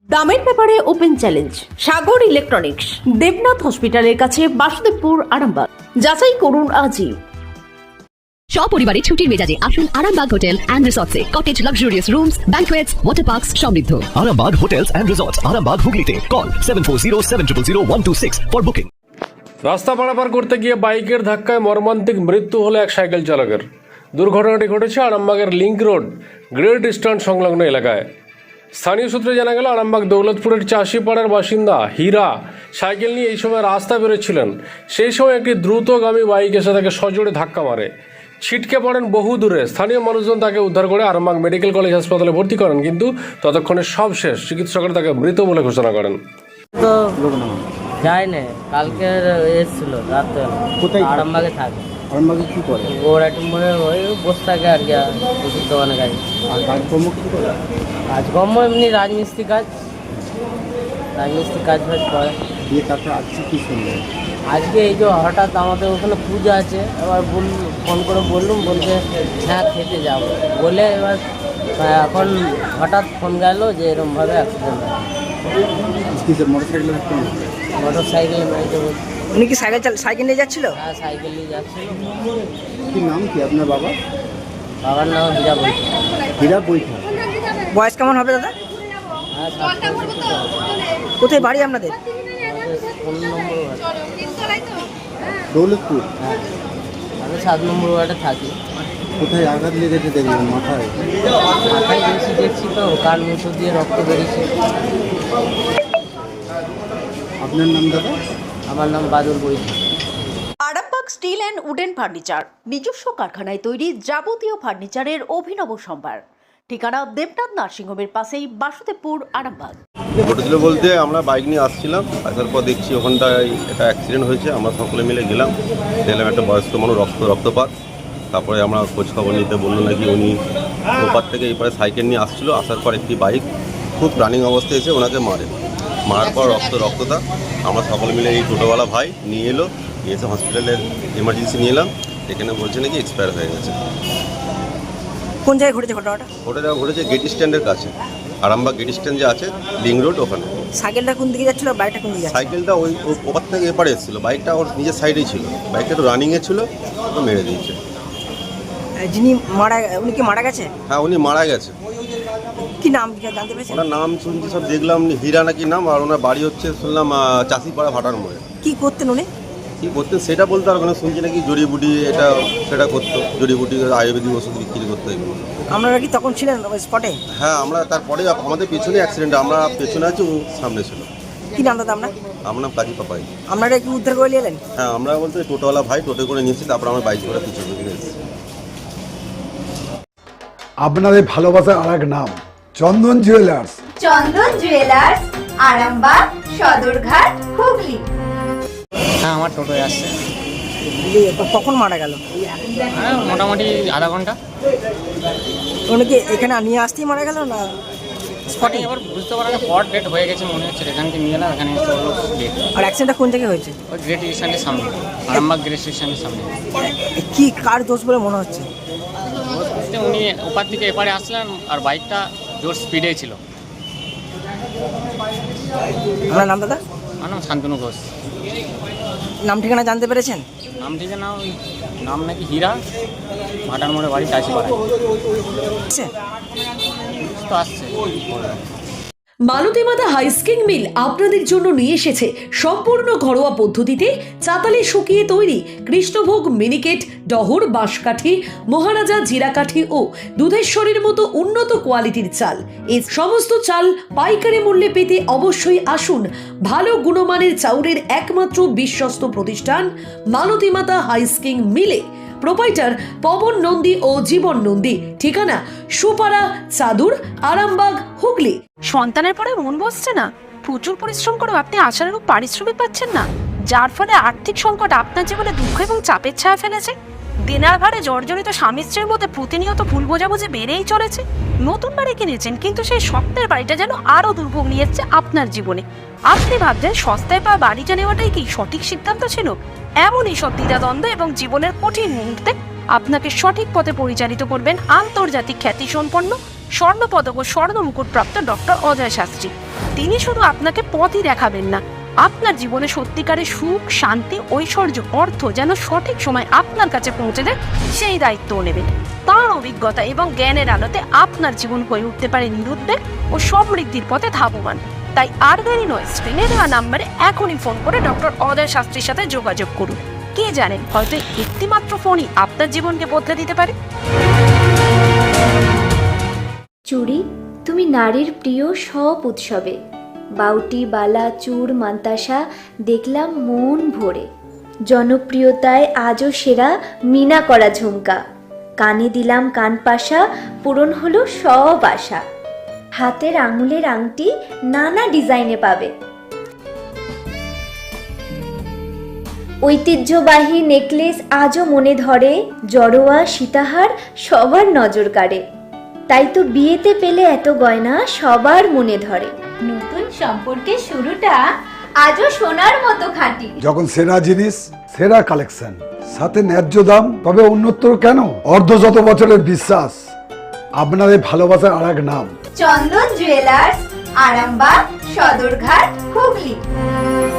দামের ব্যাপারে open challenge Sagar electronics, Debnath হসপিটালের কাছে, বাসুদেবপুর, আরামবাগ। যাচাই করুন আজই। সপরিবারে ছুটির মেজাজে আসুন আরামবাগ হোটেল অ্যান্ড রিসর্টসে। Cottage, luxurious rooms, banquets, water parks সমৃদ্ধ। Arambag Hotels and Resorts, Arambag Hooghly Call 7407000126 for booking. রাস্তা পারাপার করতে গিয়ে বাইকের ধাক্কায় মর্মান্তিক মৃত্যু হলো এক সাইকেল চালকের। দুর্ঘটনাটি ঘটেছে আরামবাগের লিংক রোড গ্রেট ইস্টার্ন সংলগ্ন এলাকায়। স্থানীয় সূত্রে জানা গেল, আরামবাগ দৌলতপুরের চাষিপাড়ার বাসিন্দা হীরা সাইকেল নিয়ে এই সময় রাস্তা বেরোচ্ছিলেন। সেই সময় একটি দ্রুতগামী বাইক এসে তাকে সজোরে ধাক্কা মারে, ছিটকে পড়েন বহু দূরে। স্থানীয় মানুষজন তাকে উদ্ধার করে আরামবাগ মেডিকেল কলেজ হাসপাতালে ভর্তি করেন, কিন্তু ততক্ষণে সব শেষ। চিকিৎসকরা তাকে মৃত বলে ঘোষণা করেন। তো যায় না, কালকে এসেছিল রাত্রে। কোথায়? আরামবাগে থাকে। আরামবাগে কি করে? গোড়াটি মনে ওই বসে থাকে আর কি, ওষুধ দোকানে কাজ। আর কাজকর্ম কিছু করে? কাজকর্ম এমনি রাজমিস্ত্রি কাজ ফাজ করে। দিয়ে তারপর আজকে কি শুনলেন? আজকে এই যে হঠাৎ আমাদের ওখানে পূজা আছে, এবার ফোন করে বললুম, বলছে হ্যাঁ খেতে যাব বলে। এবার এখন হঠাৎ ফোন গেল যে এরকমভাবে অ্যাক্সিডেন্ট হয়। মোটর সাইকেলে মেরেছে বলছে। উনি কি সাইকেল নিয়ে যাচ্ছিল? হ্যাঁ, সাইকেল নিয়ে যাচ্ছিল। কি নাম কি আপনার বাবা? বাবার নাম হীরা বলছে। হীরা বৈঠা। বয়স কেমন হবে দাদা? হ্যাঁ, 60 কোথায় বাড়ি আপনাদের? 15 নম্বর ওয়ার্ড। দৌলতপুর। হ্যাঁ, আমি 7 নম্বর ওয়ার্ডে থাকি। কোথায় আঘাত লেগেছে দেখলেন? মাথায়? মাথায় বেশি দেখছি তো, কান মুখো দিয়ে রক্ত বেরিয়েছে। আপনার নাম দাদা? আমার নাম বাদুর বৈঠা। Arambag steel and wooden furniture, নিজস্ব কারখানায় তৈরি যাবতীয় ফার্নিচারের অভিনব সম্ভার। ঠিকানা দেবনাথ নার্সিংহোমের পাশেই, বাসুদেবপুর, আরামবাগ। ঘটেছিল বলতে, আমরা বাইক নিয়ে আসছিলাম, আসার পর দেখছি ওখানটায় একটা অ্যাক্সিডেন্ট হয়েছে। আমরা সকলে মিলে গেলাম, দেখলাম একটা বয়স্ক মানুষ রক্তপাত। তারপরে আমরা খোঁজ খবর নিতে বললো নাকি উনি ওপার থেকে এপারে সাইকেল নিয়ে আসছিলো। আসার পর একটি বাইক খুব রানিং অবস্থায় এসে ওনাকে মারার পর রক্ততা। আমরা সকলে মিলে এই টোটোওয়ালা ভাই নিয়ে এলো, নিয়ে এসে হসপিটালের এমার্জেন্সি নিয়ে এলাম। এখানে বলছে নাকি এক্সপায়ার হয়ে গেছে। কোন জায়গায় ঘটেছে ঘটনাটা? ওটা ঘটেছে গেট স্ট্যান্ডের কাছে, আরামবাগ গেট স্ট্যান্ড যে আছে লিংক রোড, ওখানে। সাইকেলটা কোন দিকে যাচ্ছিল, বাইকটা কোন দিকে যাচ্ছিল? সাইকেলটা ওই ওপার থেকে এপারে এসেছিলো, বাইকটা ওর নিজের সাইডেই ছিল। বাইকটা তো রানিংয়ে ছিল, তো মেরে দিয়েছে। যিনি উনি কি মারা গেছে? হ্যাঁ, উনি মারা গেছে। কি নাম জানতে পেরেছেন? ওনার নাম শুনছি, সব দেখলাম হীরা নাকি নাম। আর ওনার বাড়ি হচ্ছে শুনলাম চাষিপাড়া ভাটার মোড়ে। কি করতেন উনি? কী করতেন সেটা বলতে আর ওখানে শুনছি নাকি জড়িবুটি এটা সেটা করতো, জড়িবুটি আয়ুর্বেদিক ওষুধ বিক্রি করতো এগুলো। আপনারা কি তখন ছিলেন স্পটে? হ্যাঁ, আমরা তারপরে আমাদের পেছনে অ্যাক্সিডেন্ট, আমরা পেছনে আছি, ও সামনে ছিল। কি নাম দাদা আপনার? আমার নাম কাজী পাপাই। আপনারা কি উদ্ধার করে নিয়ে এলেন? হ্যাঁ, আমরা বলতে টোটোওয়ালা ভাই টোটো করে নিয়েছি, তারপর আমরা বাইক করে পিছনে দিকে এসেছি। আপনাদের ভালোবাসার আর এক নাম চন্দন জুয়েলার্স। চন্দন জুয়েলার্স, আরামবাগ, সদরঘাট, হুগলি। হ্যাঁ, আমার টোটোয় আসছে। কখন মারা গেল? হ্যাঁ, মোটামুটি আধা ঘন্টা। উনি কি এখানে নিয়ে আসতেই মারা গেল না স্পটে? এবার বুঝতে পারা না, স্পট ডেট হয়ে গেছে মনে হচ্ছে। এখান থেকে নিয়ে এলাম, এখানে ডেট। আর অ্যাক্সিডেন্টটা কোন জায়গায় হয়েছে? ওই গ্রেট স্টেশনের সামনে, আরামবাগ গ্রেট স্টেশনের সামনে। কি কার দোষ বলে মনে হচ্ছে? উনি ওপার থেকে এপারে আসলেন আর বাইকটা জোর স্পিডে ছিল। আপনার নাম দাদা? আমার নাম শান্তনু ঘোষ। নাম ঠিকানা জানতে পেরেছেন? নাম ঠিকানা ওই নাম নাকি হীরা, ভাটার মোড়ে বাড়ি, চাষিপাড়ায়। তো আসছে। মালতী মাতা হাইস্কিং মিল আপনাদের জন্য নিয়ে এসেছে সম্পূর্ণ ঘরোয়া পদ্ধতিতে চাতালে শুকিয়ে তৈরি কৃষ্ণভোগ, মিনিকেট, ডহর, বাঁশকাঠি, মহারাজা, জিরাকাঠি ও দুধেশ্বরীর মতো উন্নত কোয়ালিটির চাল। এই সমস্ত চাল পাইকারি মূল্যে পেতে অবশ্যই আসুন ভালো গুণমানের চাউলের একমাত্র বিশ্বস্ত প্রতিষ্ঠান মালতী মাতা হাইস্কিং মিলে। প্রোপাইটার পবন নন্দী ও জীবন নন্দী। ঠিকানা সুপারা, চাদুর, আরামবাগ, হুগলি। সন্তানের পরে মন বসছে না, প্রচুর পরিশ্রম করেও আপনি আশানুরূপ পারিশ্রমিক পাচ্ছেন না, যার ফলে আর্থিক সংকট আপনার জীবনে দুঃখ এবং চাপের ছায়া ফেলেছে। দিনার ভারে জর্জরিত স্বামী স্ত্রীর মধ্যে প্রতিনিয়ত ভুল বোঝাবুঝি বেড়েই চলেছে। নতুন বাড়ি কিনেছেন, কিন্তু সেই স্বপ্নের বাড়িটা যেন আরও দুর্ভোগ নিয়ে এসছে আপনার জীবনে। আপনি ভাবছেন সস্তায় পাওয়া বাড়িটা নেওয়াটাই কি সঠিক সিদ্ধান্ত ছিল? এমনই সব দ্বিধাদ্বন্দ্ব এবং জীবনের কঠিন মুহূর্তে আপনাকে সঠিক পথে পরিচালিত করবেন আন্তর্জাতিক খ্যাতিসম্পন্ন স্বর্ণপদক ও স্বর্ণ মুকুটপ্রাপ্ত ডক্টর অজয় শাস্ত্রী। তিনি শুধু আপনাকে পথই দেখাবেন না, আপনার জীবনে সত্যিকারের সুখ, শান্তি, ঐশ্বর্য, অর্থ যেন সঠিক সময় আপনার কাছে পৌঁছে দেয় সেই দায়িত্বও নেবেন। তার অভিজ্ঞতা এবং জ্ঞানের আলোতে আপনার জীবন হয়ে উঠতে পারে নিরুদ্বেগ ও সমৃদ্ধির পথে ধাবমান। তাই আর দেরি নয়, স্ক্রিনে দেওয়া নাম্বারে এখনই ফোন করে ডক্টর অজয় শাস্ত্রীর সাথে যোগাযোগ করুন। কে জানেন, হয়তো একটিমাত্র ফোনই আপনার জীবনকে বদলে দিতে পারে। চুড়ি, তুমি নারীর প্রিয় সব উৎসবে। বাউটি, বালা, চূড়, মান্তাসা দেখলাম মন ভরে। জনপ্রিয়তায় আজও সেরা মিনা করা ঝুমকা। কানে দিলাম কানপাশা, পূরণ হলো সব আশা। হাতের আঙুলের আংটি নানা ডিজাইনে পাবে। ঐতিহ্যবাহী নেকলেস আজও মনে ধরে। জড়োয়া, সীতাহার সবার নজর কাড়ে। তাই তো বিয়েতে পেলে এত গয়না সবার মনে ধরে। নতুন সম্পর্কের শুরুটা আজও সোনার মতো খাঁটি। যখন সেরা জিনিস, সেরা কালেকশন, সাথে ন্যায্য দাম, তবে অন্যত্র কেন? অর্ধশত বছরের বিশ্বাস, আপনাদের ভালোবাসার আর এক নাম চন্দন জুয়েলার্স, আরামবাগ, সদরঘাট, হুগলি।